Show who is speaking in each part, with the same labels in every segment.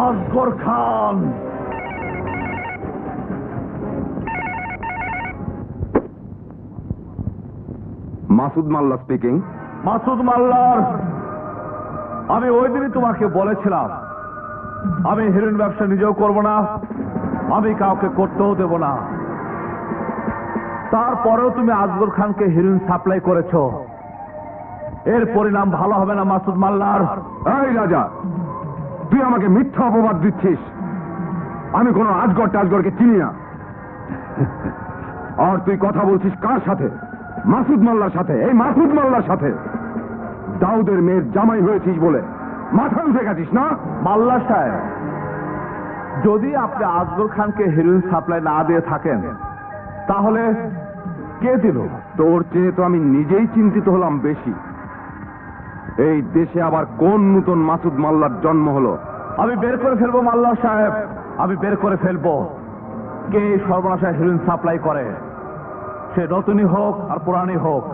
Speaker 1: আসগর খান।
Speaker 2: মাসুদ মাল্লা স্পিকিং।
Speaker 1: মাসুদ মাল্লার, আমি ওই দিনই তোমাকে বলেছিলাম আমি হেরোইন ব্যবসা নিজেও করব না, আমি কাউকে করতেও দেব না। তারপরেও তুমি আসগর খানকে হেরোইন সাপ্লাই করেছ। এর পরিণাম ভালো হবে না মাসুদ মাল্লার।
Speaker 2: এই রাজা, তুই আমাকে মিথ্যা অপবাদ দিচ্ছিস। আমি কোনো আজগর টাজগরকে চিনি না। আর তুই কথা বলছিস কার সাথে? মাসুদ মাল্লার সাথে। এই মাসুদ মাল্লার সাথে দাউদের মেয়ের জামাই হয়েছিস বলে মাথা উঠে গেছিস না?
Speaker 1: মাল্লা সাহেব, যদি আপনি আসগর খানকে হেরোইন সাপ্লাই না দিয়ে থাকেন তাহলে কে দিল?
Speaker 2: তোর চেয়ে তো আমি নিজেই চিন্তিত হলাম বেশি। এই দেশে আবার কোন নূতন মাসুদ মাল্লার জন্ম হলো?
Speaker 1: আমি বের করে ফেলবো মাল্লা সাহেব, আমি বের করে ফেলবো কে এই সর্বনাশা হেরোইন সাপ্লাই করে, সে নতুনই হোক আর পুরানি হোক।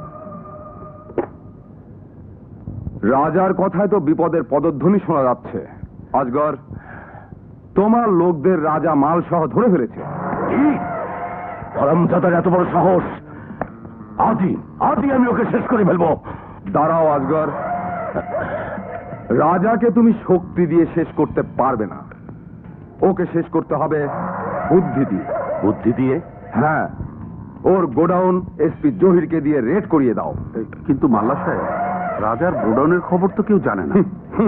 Speaker 2: রাজার কথায় তো বিপদের পদধ্বনি শোনা যাচ্ছে। আজগর, তোমার লোকদের রাজা মাল সহ ধরে ফেলেছে।
Speaker 1: হারামজাদার এত বড় সাহস! আজই আজই আমি ওকে শেষ করে ফেলবো।
Speaker 2: দাঁড়াও আজগর, রাজাকে তুমি শক্তি দিয়ে শেষ করতে পারবে না। ওকে শেষ করতে হবে বুদ্ধি দিয়ে।
Speaker 1: বুদ্ধি দিয়ে?
Speaker 2: হ্যাঁ, ওর গোডাউন এসপি জহিরকে দিয়ে রেড করিয়ে দাও।
Speaker 1: কিন্তু মাল্লা সাহেব, রাজার গোডাউনের খবর তো কেউ জানে না।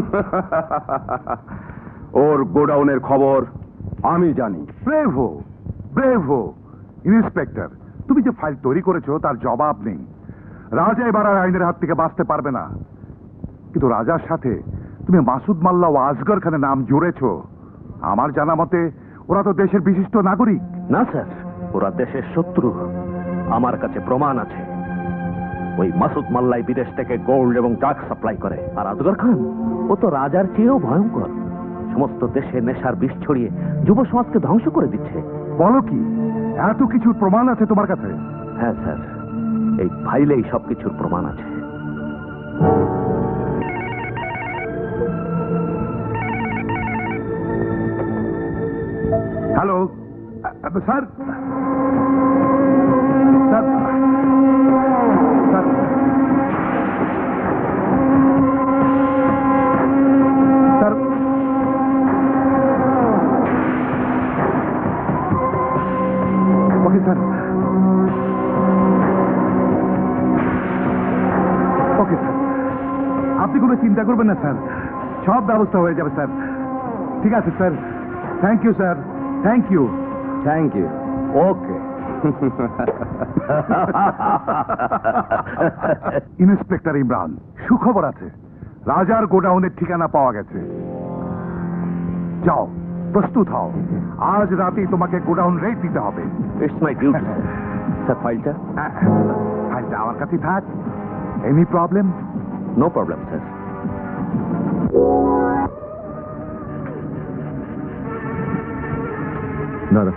Speaker 2: ওর গোডাউনের খবর আমি জানি।
Speaker 3: ব্রেভো ব্রেভো ইন্সপেক্টর, তুমি যে ফাইল তৈরি করেছো তার জবাব নেই। রাজা এবার আর আইনের হাত থেকে বাঁচতে পারবে না। কিন্তু রাজার সাথে তুমি মাসুদ মাল্লা ও আসগর খানের নাম জুড়েছো। আমার জানা মতে ওরা তো দেশের বিশিষ্ট নাগরিক।
Speaker 1: না স্যার, ওরা দেশের শত্রু। আমার কাছে প্রমাণ আছে। ওই মাসুদ মাল্লাই বিদেশ থেকে গোল্ড এবং ড্রাগ সাপ্লাই করে, আর আসগর খান ও তো রাজার চেয়েও ভয়ঙ্কর। সমস্ত দেশে নেশার বিষ ছড়িয়ে যুব সমাজকে ধ্বংস করে দিচ্ছে।
Speaker 3: বলো কি, এত কিছুর প্রমাণ আছে তোমার কাছে?
Speaker 1: হ্যাঁ স্যার, এই ফাইলেই সবকিছুর প্রমাণ আছে।
Speaker 3: Hello sir, sir, sir, sir, okay sir, okay sir, আপনি কোনো চিন্তা করবেন না স্যার, সব ব্যবস্থা হয়ে যাবে স্যার। ঠিক আছে sir, thank you sir, thank you.
Speaker 2: Thank you. Okay.
Speaker 3: Inspector Imran, সুখবর আছে। রাজার গোডাউনের ঠিকানা পাওয়া গেছে। যাও, প্রস্তুত হও। আজ রাতেই তোমাকে গোডাউন রেড দিতে হবে।
Speaker 1: It's my duty. স্যার, ফাইলটা?
Speaker 3: ফাইলটা আমার কাছেই থাক। Any problem?
Speaker 1: No problem sir.
Speaker 2: দাদা,